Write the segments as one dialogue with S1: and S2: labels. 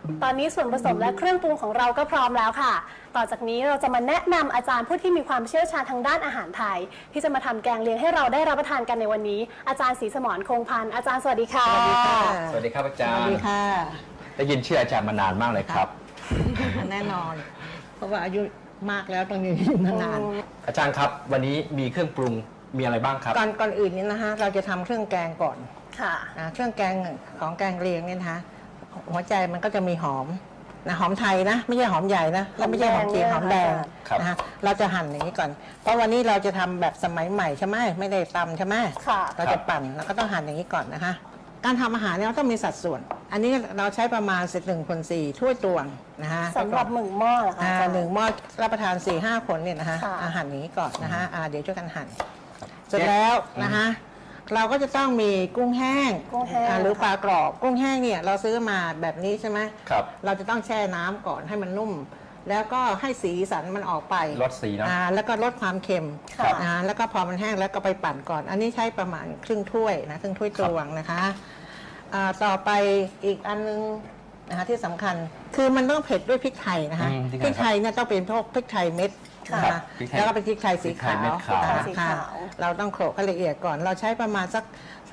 S1: ตอนนี้ส่วนผสมและเครื่องปรุงของเราก็พร้อมแล้วค่ะ ต่อจากนี้เราจะมาแนะนำอาจารย์ผู้ที่มีความเชี่ยวชาญทางด้านอาหารไทยที่จะมาทำแกงเลียงให้เราได้รับประทานกันในวันนี้อาจารย์ศรีสมรคงพันธ์อาจารย์สวัสดีค่ะ
S2: สวัสดีค่ะ
S3: สวัสดีครับอาจา
S2: ส
S3: ร
S2: วัส
S3: ย์
S2: ดีค่ะ
S3: ได้ยินชื่ออาจารย์มานานมากเลยครับ
S2: แน่นอน เพราะว่าอายุมากแล้วต้องอยู่นาน
S3: อาจารย์ครับวันนี้มีเครื่องปรุงมีอะไรบ้างครับ
S2: ก่อนอื่นนี้นะคะเราจะทำเครื่องแกงก่อน
S1: ค่ะ
S2: เครื่องแกงของแกงเลียงเนี่ยนะคะหัวใจมันก็จะมีหอมหอมไทยนะไม่ใช่หอมใหญ่นะแล้วไม่ใช่หอมจีนหอมแดง
S3: ครับ
S2: นะคะเราจะหั่นอย่างนี้ก่อน เพราะวันนี้เราจะทำแบบสมัยใหม่ใช่ไหมไม่ได้ตำใช่ไหม
S1: ค่ะ
S2: เราจะปั่นแล้วก็ต้องหั่นอย่างนี้ก่อนนะคะ การทำอาหารเนี่ยเราต้องมีสัดส่วน อันนี้เราใช้ประมาณ1/4 ถ้วยตวงนะคะ
S1: สำหรับ1 หม้อเหรอคะอาจารย์
S2: หนึ่งหม้อรับประทาน 4-5 คนเนี่ยนะคะ
S1: ค่ะ
S2: หั่นอย่างนี้ก่อนนะคะเดี๋ยวช่วยกันหั่นเสร็จแล้วนะคะเราก็จะต้องมีกุ้งแห้ง
S1: กุ้งแห้ง
S2: หรือปลากรอบกุ้งแห้งเนี่ยเราซื้อมาแบบนี้ใช่ไหม
S3: ครับ
S2: เราจะต้องแช่น้ำก่อนให้มันนุ่ม แล้วก็ให้สีสันมันออกไป
S3: ลดสีเนอะ
S2: แล้วก็ลดความเค็ม
S1: ครับ
S2: แล้วก็พอมันแห้งแล้วก็ไปปั่นก่อน อันนี้ใช้ประมาณครึ่งถ้วยนะครึ่งถ้วยตวงนะคะต่อไปอีกอันนึงนะคะที่สำคัญคือมันต้องเผ็ดด้วยพริกไทยนะคะ พริกไทยเนี่ยต้องเป็นพวกพริกไทยเม็ดนะ
S3: ครั
S2: คะ
S3: บพริกไทย
S2: แล้วก็เป็นพริกไทยสี
S3: พริกไท
S2: ขาย
S3: เม็
S2: ว
S3: ดขาว
S1: สี
S2: ค่ะ
S1: ขาว
S2: เราต้องโขลกให้ละเอียดก่อน เราใช้ประมาณสัก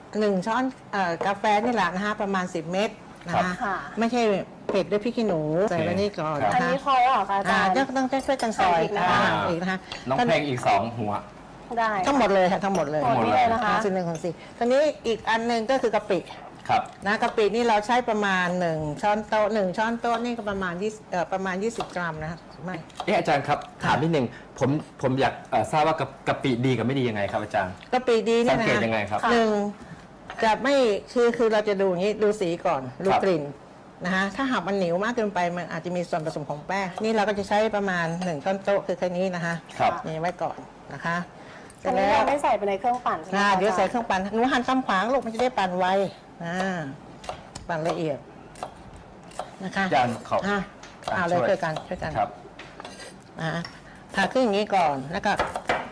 S2: 1 ช้อนกาแฟนี่แหละนะคะประมาณ10 เม็ดนะคะ
S1: ค่ะ
S2: ไม่ใช่เผ็ดด้วยพริกขี้หนูใส่ไว้นี่ก่อน
S3: ครับ
S1: อัน
S2: นะคะ
S1: นี้พอแล้วเหรอคะอาจารย์
S2: ต้องช่วยกันซอย
S1: อีกนะคะ
S2: อีกนะคะ
S3: น้องเพลงอีก2 หัว
S1: ได้
S2: ทั้งหมดเลยค่ะทั้งหมดเลย
S1: หมดนี่เลยนะคะ
S2: 1/4ตอนนี้อีกอันหนึงก็คือกะปิ
S3: ครับ
S2: นะกะปินี่เราใช้ประมาณ1 ช้อนโต๊ะ1 ช้อนโต๊ะนี่ก็ประมาณ20 กรัมนะคะไม่
S3: อาจารย์ครับถามนิดนึงผมอยากทราบว่ากะปิดีกับไม่ดียังไงครับอาจารย์
S2: กะปิดี
S3: สั
S2: เนี่ย
S3: งเกต
S2: นะ
S3: ยังไงครับ
S2: หนึ่งจะไม่คือเราจะดูอย่างนี้ดูสีก่อนดู
S3: ครับ
S2: กลิ่นนะคะถ้าหากมันเหนียวมากเกินไปมันอาจจะมีส่วนผสมของแป้งนี่เราก็จะใช้ประมาณ1 ช้อนโต๊ะคือแค่นี้นะคะ
S3: ครับ
S2: นี่ไว้ก่อนนะคะเส
S1: อั
S2: ร็
S1: น
S2: จ
S1: นี้
S2: แล้ว
S1: เราไม่ใส่ไปในเครื่องปั่นใช่ไหมคะ
S2: เดี๋ยวใส่เค
S1: อาจาร
S2: รื่องปั่นหนูหั่นตามขวางลูกมันจะได้ปั่นไวปั่นละเอียดนะคะ
S3: อาจารย์ขอ
S2: เอาเลยช่วยกันช่วยกัน
S3: ครับ
S2: ผ่าครึ่งอย่างนี้ก่อนแล้วก็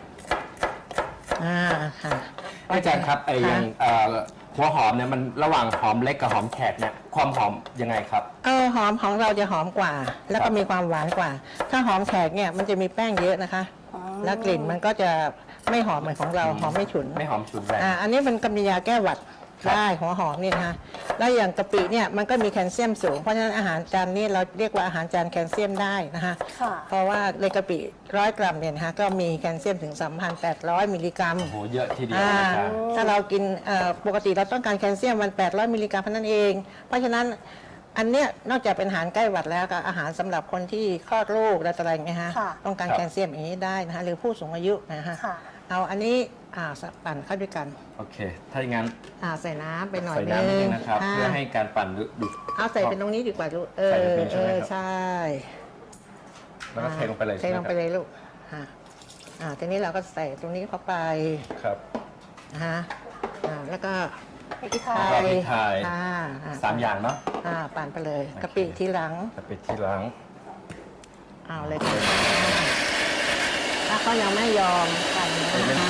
S2: ค่ะ
S3: อาจารย์ครับอย่างหัวหอมเนี่ยมันระหว่างหอมเล็กกับหอมแขกเนี่ยความหอมยังไงครับ
S2: หอมของเราจะหอมกว่า แล้วก็มีความหวานกว่า ถ้าหอมแขกเนี่ยมันจะมีแป้งเยอะนะคะ แล้วกลิ่นมันก็จะไม่หอมเหมือนของเราหอมไม่ฉุน
S3: ไม่หอมฉุนแรง
S2: อันนี้เป็นกำยาแก้หวัด
S3: ครับ
S2: ได้หัวหอมนี่นะคะแล้วอย่างกะปิเนี่ยมันก็มีแคลเซียมสูงเพราะฉะนั้นอาหารจานนี้เราเรียกว่าอาหารจานแคลเซียมได้นะคะ
S1: ค่ะ
S2: เพราะว่าในกะปิ100 กรัมเนี่ยนะคะก็มีแคลเซียมถึง 3,800 มิลลิกรัม
S3: โอ้โหเยอะทีเดียว
S2: อ่า
S3: อาจารย์
S2: ถ้าเรากินปกติเราต้องการแคลเซียมวัน800 มิลลิกรัมเท่านั้นเอง เพราะฉะนั้นอันเนี้ยนอกจากเป็นอาหารใกล้หวัดแล้วก็อาหารสำหรับคนที่คลอดลูกและอะไรอย่างเงี้ยฮะ
S1: ค่ะ
S2: ต้องการ
S3: ครับ
S2: แคลเซียมอย่างนี้ได้นะคะหรือผู้สูงอายุนะฮะ
S1: ค่ะ
S2: เอาอันนี้ปั่นเข้าด้วยกัน
S3: โอเค ถ้าอย่างนั้น
S2: ใส่น้ำไปหน่อย
S3: ใส่น้ำนิดนึงนะครับ
S2: ค่ะ
S3: เพื่อให้การปั่นดู
S2: เอาใส่เป็นตรงนี้ดีกว่าลูก
S3: ใส่แบบนี้ใช่ไหมครับ
S2: ใช่
S3: แล้วก็เทลงไปเลย
S2: เท
S3: ใช่ไหม
S2: ลง
S3: ค
S2: ไป
S3: รับ
S2: เลยลูกทีนี้เราก็ใส่ตรงนี้เข้าไป
S3: ครับ
S2: นะฮะแล้วก็
S1: พริกไท
S3: ก็
S1: ย
S3: พริกไทย
S2: 3
S3: อย่างเนาะ
S2: ปั่นไปเลย
S3: โอเค
S2: กะปิทีหลัง
S3: กะปิที่หลัง
S2: เอาเลยค่ะถ้าเขายังไม่ยอมปั่นนะคะ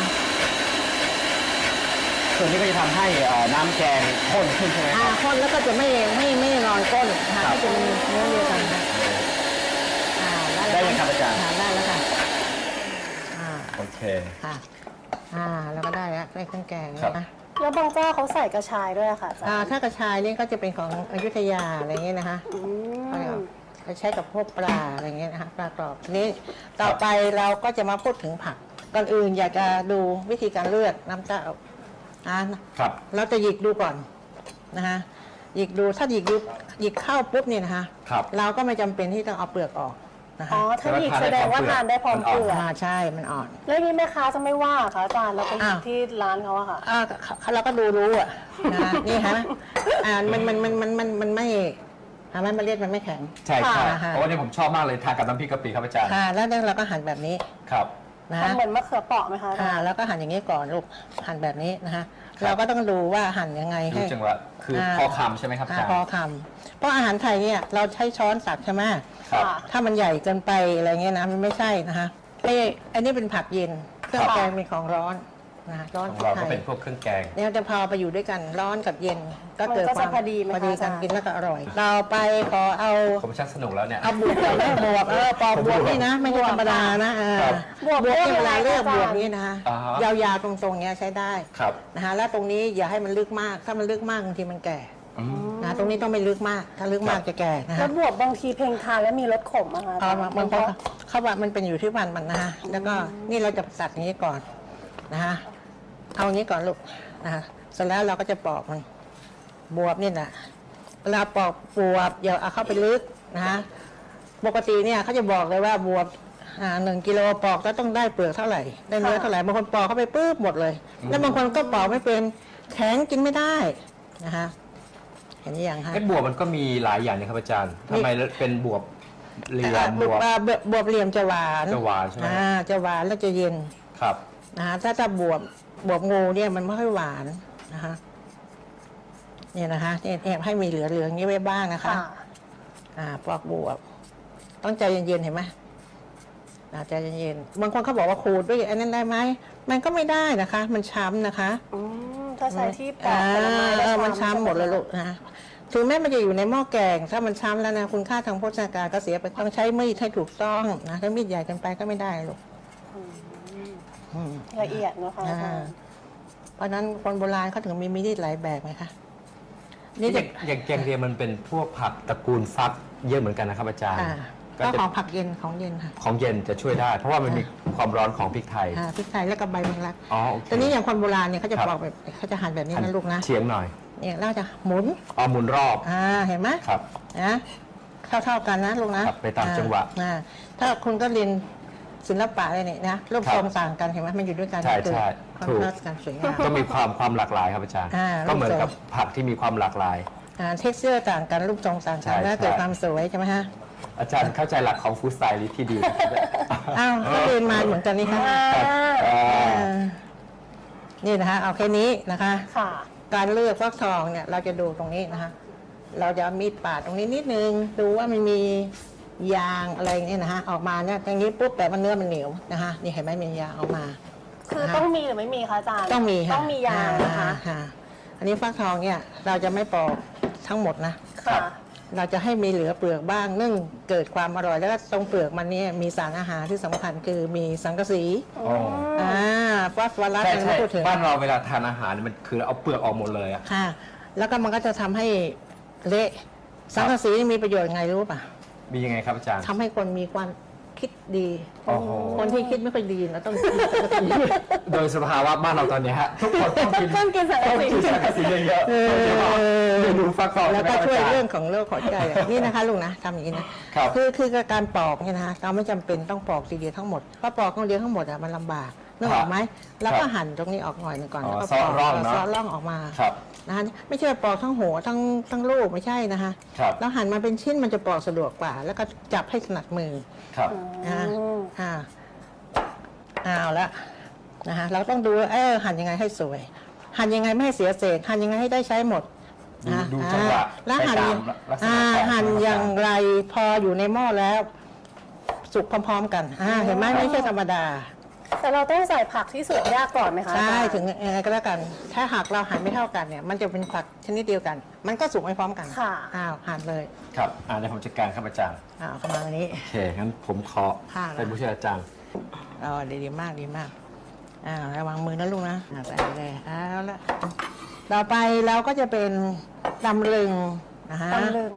S3: ส่วนนี้ก็จะทำให้น้ำแกงข้นขึ้นใช่ไหมครับ
S2: ข้นแล้วก็จะไม่นอนก้นนะคะ
S3: ครับ
S2: ก็จะเป็นเนื้อเดียวกันนะ
S3: ได้เลยครับอาจารย์
S2: ได้แล้วค่ะ
S3: โอเค
S2: ค่ะแล้วก็ได้แล้วได้เครื่องแกง
S3: ครับ
S2: นะ
S1: แล้วบางเจ้าเขาใส่กระชายด้วยอะค่ะอาจารย์
S2: ถ้ากระชายนี่ก็จะเป็นของอยุธยาอะไรเงี้ยนะคะ
S1: อืม
S2: เขาใช้กับพวกปลาอะไรเงี้ยนะคะปลากรอบทีนี้ต่อไปเราก็จะมาพูดถึงผักก่อนอื่นอยากจะดูวิธีการเลือกน้ำเต้า
S3: ครับ
S2: เราจะหยิกดูก่อนนะคะหยิกดูถ้าหยิกเข้าปุ๊บเนี่ยนะคะ
S3: ครับ
S2: เราก็ไม่จำเป็นที่ต้องเอาเปลือกออกนะ
S1: อ๋
S2: คะ
S1: อถ้าหยิกแสดงว่าทานได้พร้อมเปลือก
S2: ใช่มันอ่อน
S1: แล้วนี่แม่ค้าจะไม่ว่าเหรอคะอาจารย์เราไปหยิบ
S2: อ้าว
S1: ที่ร้านเขาอะค่ะ
S2: เราก็ดูรู้อ่ะนะคะนี่ฮะมันไม่มันเมล็ดมันไม่แข็ง
S3: ใช่ใช่
S2: ค่ะ
S3: เพราะว่านี่ผมชอบมากเลยทานกับน้ำพริกกะปิครับอาจารย์
S2: แล้วเราก็หั่นแบบนี้
S3: ครับ
S2: นะ
S1: ทำเหมือนมะเขือเปราะไหมคะอาจารย์
S2: แล้วก็หั่นอย่างนี้ก่อนลูกหั่นแบบนี้นะคะเราก็ต้องดูว่าหั่นยังไง
S3: รู้
S2: ให้
S3: จังหวะคือพอคำใช่ไหมครับอาจารย์
S2: พอคำเพราะอาหารไทยเนี่ยเราใช้ช้อนตักใช่ไหม
S3: ครับ
S2: ถ้ามันใหญ่เกินไปอะไรเงี้ยนะมันไม่ใช่นะคะอันนี้เป็นผักเย็นเครื่องแกงเป็นของร้อนนะคะร้อน
S3: ของ
S2: พริก
S3: เรา
S2: ไท
S3: ก็
S2: ย
S3: เป็นพวกเครื่องแกง
S2: เนี่ยจะพอไปอยู่ด้วยกันร้อนกับเย็นก็เกิด
S1: มันก็
S2: ควา
S1: จะ
S2: ม
S1: พอดีไหมคะ
S2: พอดี
S1: อา
S2: กั
S1: จาน รย์
S2: กินแล้วก็อร่อยต่อไปขอเอา
S3: ผมชักสนุกแล้วเนี่ย
S2: เอาบวบก่อนนะบวบปอกบวบนี่นะไม่ใช่ธรรมดานะเออ
S3: ครับ
S1: บวบ
S2: นี่เวลาเลือก
S1: อาจารย์
S2: บวบนี่นะ
S3: อ่าฮะ
S2: ยาวๆตรงๆเนี้ยใช้ได้
S3: ครับ
S2: นะคะแล้วตรงนี้อย่าให้มันลึกมากถ้ามันลึกมากบางทีมันแก่
S3: อืม
S2: นะตรงนี้ต้องไม่ลึกมากถ้าลึกมากจะแก่นะ
S1: แล้
S2: ฮะ
S1: วบวบบางทีเพลงทานแล้วมีรสขมอะคะ
S2: เอามามัน
S1: เพราะ
S2: เขาว่ามันเป็นอยู่ที่วันมันนะฮะแล้วก็นี่เราจะตัดอย่างนี้ก่อนนะฮะเอาอย่างนี้ก่อนลูกนะฮะเสร็จแล้วเราก็จะปอกมันบวบนี่นะเวลาปอกบวบอย่าเอาเข้าไปลึกนะฮะปกติเนี่ยเขาจะบอกเลยว่าบวบ1 กิโลปอกแล้วต้องได้เปลือกเท่าไหร่ได้เนื้อเท่าไหร่บางคนปอกเข้าไปปุ๊บหมดเลย แล้วบางคนก็ปอกไม่เป็นแข็งกินไม่ได้นะฮะเห็นยังฮะ
S3: ไอ้บวบมันก็มีหลายอย่างนะครับอาจารย์ทำไมเป็นบวบเหลี่ยมบวบ
S2: บวบเหลี่ยมจะหวาน
S3: จะหวานใช่ไหม
S2: จะหวานแล้วจะเย็น
S3: ครับ
S2: นะฮะถ้าบวบงูเนี่ยมันไม่ค่อยหวานนะคะเนี่ยนะคะเนี่ยให้มีเหลืออย่างนี้ไว้บ้างนะคะ
S1: ค่ะ
S2: ปอกบวบต้องใจเย็นๆเห็นไหมใจเย็นๆบางคนเขาบอกว่าขูดด้วยอันนั้นได้ไหมมันก็ไม่ได้นะคะ มันช้ำนะคะ
S1: ถ้าใช้ที่ปอกผลไม้แล้ว
S2: มันช้ำหมดเลยลูกนะถึงแม้มันจะอยู่ในหม้อแกงถ้ามันช้ำแล้วนะคุณค่าทางโภชนาการก็เสียไปต้องใช้มีดให้ถูกต้องนะถ้ามีดใหญ่เกินไปก็ไม่ได้ลูกอืม
S1: ละเอียดนะคะอาจารย์
S2: เพราะฉะนั้นคนโบราณเขาถึงมีมีดหลายแบบไหมคะ
S3: นี่
S2: นี่
S3: อ
S2: จะ
S3: ย่างแกงเลียงมันเป็นพวกผักตระกูลฟักเยอะเหมือนกันนะครับอาจารย์
S2: ก็
S3: จะ
S2: ของผักเย็นของเย็นค่ะ
S3: ของเย็นจะช่วยได้ เพราะว่ามันมีความร้อนของพริกไทย
S2: พริกไทยแล้วก็ใบแมงลัก
S3: อ๋อโอเค
S2: แต่นี้อย่างคนโบราณเนี่ยเขาจะ
S3: ครับ
S2: ปอกแบบเขาจะหั่นแบบนี้
S3: หั่
S2: นะลูกนะ
S3: เฉียงหน่อย
S2: เนี่ยแล้วจะหมุน
S3: เอาหมุนรอบ
S2: เห็นไหม
S3: ครับ
S2: นะเท่ากันนะลูกนะครับ
S3: ไปตามจังหวะ
S2: ถ้าคุณก็เรียนศิลปะเลยเนี่ยนะรูป
S3: ครับ
S2: ทรงต่างกันเห็นไหมมันอยู่ด้วยกัน
S3: ใช่
S2: เกิด
S3: ใช่
S2: คอน
S3: ถูก
S2: ทราสต์กันสวยงาม
S3: ก็มีความหลากหลายครับอาจารย์ ก็เหมือนกับผักที่มีความหลากหลาย
S2: เท็กเจอร์ต่างกันรูปทรงต่าง
S3: ใช่
S2: กันแล้ว
S3: ใช่
S2: เกิดความสวยใช่ไหมฮะ
S3: อาจารย์เข้าใจหลักของฟู้ดสไตล์ที่ดีนะครับ
S2: อ้าวก็เรียนมาเหมือนกันนี่ค่ะ
S3: ครับอ่า
S2: นี่นะคะเอาแค่นี้นะคะ
S1: ค่ะ
S2: การเลือกฟักทองเนี่ยเราจะดูตรงนี้นะคะ เราจะเอามีดปาดตรงนี้นิดนึงดูว่ามันมียางอะไรเนี่ยนะคะออกมาเนี่ยอย่างนี้ปุ๊บแต่มันเนื้อมันเหนียวนะคะนี่เห็นไหมมียางออกมา
S1: คือต้องมีหรือไม่มีคะอาจารย์
S2: ต้องมีค่ะ
S1: ต้องมียางนะคะ
S2: อันนี้ฟักทองเนี่ยเราจะไม่ปอกทั้งหมดนะ
S1: ค่ะ
S2: เราจะให้มีเหลือเปลือกบ้างเนื่องเกิดความอร่อยแล้วก็ตรงเปลือกมันเนี่ยมีสารอาหารที่สำคัญคือมีสังกะสี
S3: อ๋อ
S2: ฟอสฟอรัส
S3: ใช่
S2: อะไร
S3: ใช่
S2: ไม่พูดถึง
S3: บ้านเราเวลาทานอาหารมันคือเอาเปลือกออกหมดเลยอะ
S2: ค่ะ แล้วก็มันก็จะทำให้เละสังกะสีนี่มีประโยชน์ยังไงรู้ป่ะ
S3: มียังไงครับอาจารย์
S2: ทำให้คนมีความคิดดี
S3: โอ้โห
S2: คนที่คิดไม่ค่อยดีเราต้องกินสังกะสี
S3: โดยสภาวะบ้านเราตอนเนี้ยฮะทุกคนต้องกิน
S1: ต้องกินสังกะสี
S3: ต้องกินสังกะสีเยอะๆโดยเฉพาะเมนูฟักทอง
S2: แล้วก็
S3: ใไหม
S2: ช่วย
S3: าจา
S2: เรื่องของโรคหัวใจอะนี่นะคะลุงนะทำอย่างนี้นะครับ คือการปอกเนี่ยนะคะเราไม่จำเป็นต้องปอกทีเดียวทั้งหมดเพราะปอกคนเดียวทั้งหมดอะมันลำบากนึกออกไหมแล้วก็หั่นตรงนี้ออกหน่อยหนึงก่อน
S3: อ๋อ
S2: แล้วก็
S3: ซอร่องเนอะ
S2: ซอร่องออกมา
S3: ครับ
S2: นะคะไม่ใช่ปอกทั้งหัวทั้งลูกไม่ใช่นะคะ
S3: ครับ
S2: แล้วหั่นมาเป็นชิ้นมันจะปอกสะดวกกว่า แล้วก็จับให้ถนัดมือ
S3: ครับ
S2: นะเอาละนะคะเราต้องดูว่าหั่นยังไงให้สวย หั่นยังไงไม่ให้เสียเศษหั่นยังไงให้ได้ใช้หมดนะ
S3: ดูจังหวะ
S2: แล้วหั่น
S3: ไปตามลักษณะของ
S2: หั่น
S3: ของ
S2: อย่างไรพออยู่ในหม้อแล้ว สุกพร้อมๆกันเห็นไหมไม่ใช่ธรรมดา
S1: แต่เราต้องใส่ผักที่สุกยากก่อนไหมคะ
S2: ใช่
S1: อาจารย์
S2: ถึงยังไงก็แล้วกัน ถ้าหากเราหั่นไม่เท่ากันเนี่ยมันจะเป็นผักชนิดเดียวกัน มันก็สุกไม่พร้อมกัน
S1: ค่ะ
S2: หั่นเลย
S3: ครับเดี๋ยวผมจัดการครับอาจารย์
S2: เข้ามาอันนี้
S3: โอเค งั้นผมขอ
S2: ค่ะ
S3: เป็นผู้ช่วยอาจารย์
S2: ดีมากดีมากระวังมือนะลูกนะใส่เลยเอาละต่อไปเราก็จะเป็นตำลึงนะคะ
S1: ตำลึง